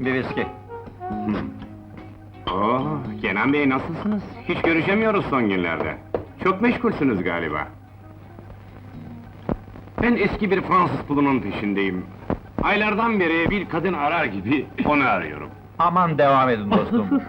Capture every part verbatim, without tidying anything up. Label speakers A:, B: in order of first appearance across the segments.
A: Bir viski.
B: Oo, Kenan Bey nasılsınız? Hiç görüşemiyoruz son günlerde. Çok meşgulsünüz galiba. Ben eski bir Fransız pulunun peşindeyim. Aylardan beri bir kadın arar gibi onu arıyorum.
A: Aman devam edin dostum.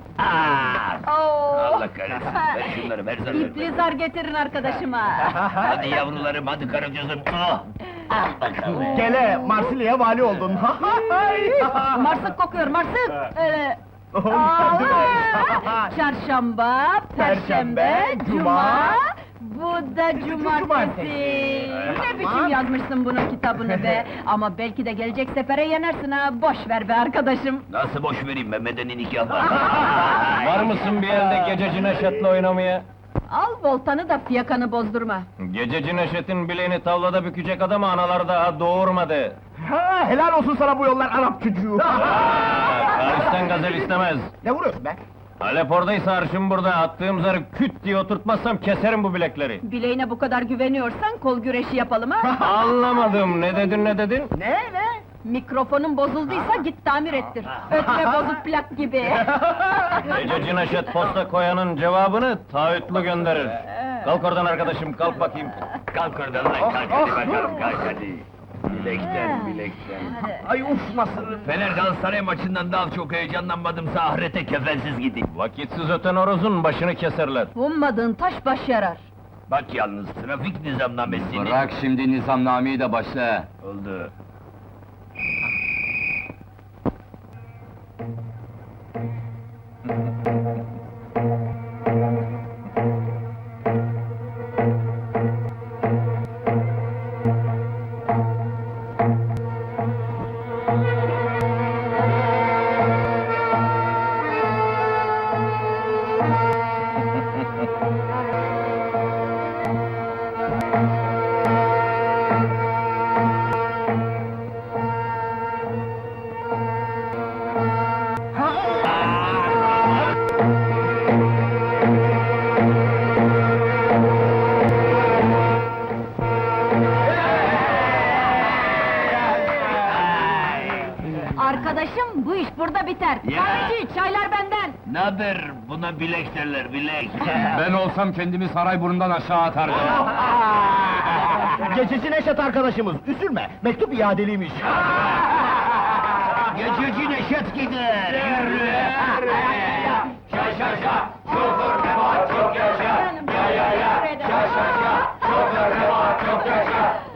C: Allah kahretsin, ver şunları, ver zarları.
D: İpli zar getirin arkadaşıma.
C: Hadi yavrularım, hadi karıcığızım. Ah! Al bakalım.
E: Gele, Marsilya'ya vali oldun.
D: Marsık kokuyor, marsık! Öyle...
E: Oh,
D: Aa,
E: değil mi?
D: Çarşamba, perşembe, cuma... Bu da cumartesi.
E: cumartesi.
D: Ne biçim yazmışsın bunun kitabını be! Ama belki de gelecek sefere yenersin ha, boş ver be arkadaşım!
C: Nasıl boş vereyim be, medeni nikah var.
A: Var mısın bir yerde gececi Neşet'le oynamaya?
D: Al voltanı da fiyakanı bozdurma!
A: Gececi Neşet'in bileğini tavlada bükecek adamı analar daha doğurmadı.
E: Ha, helal olsun sana bu yollar Arap çocuğu.
A: Paris'ten gazel istemez.
E: Ne vuruyorsun be?
A: Halep oradaysa arşım burada, attığım zarı küt diye oturtmazsam keserim bu bilekleri.
D: Bileğine bu kadar güveniyorsan kol güreşi yapalım ha!
A: Anlamadım, ne dedin ne dedin?
D: Ne ne? Mikrofonun bozulduysa git tamir ettir. Ötme bozuk plak gibi.
A: Gececi Neşet posta koyanın cevabını taahhütlü gönderir. Kalk oradan arkadaşım, kalk bakayım.
C: Kalk oradan lan, kalk hadi bakalım, kalk hadi. Bilekten, bilekten.
E: Ay uf nasıl?
C: Fener Galatasaray maçından daha çok heyecanlanmadımsa ahirete kefensiz gideyim.
A: Vakitsiz öten horozun başını keserler.
D: Ummadığın taş baş yarar.
C: Bak yalnız, trafik nizamnamesini...
F: Bırak şimdi nizamnameyi de başla.
C: Oldu.
D: Arkadaşım, bu iş burada biter.
C: Ya!
D: Kahveci, çaylar benden!
C: Naber? Buna bilek derler, bilek.
F: Ben olsam kendimi Sarayburnu'ndan aşağı atardım.
E: Gececi Neşet arkadaşımız, üzülme, mektup iadeliymiş.
C: Gececi Neşet gider, yürü!
D: Şa şa şa, şoför ne var çok yaşa! Ya ya ya, şa şa şa, şoför ne var çok yaşa!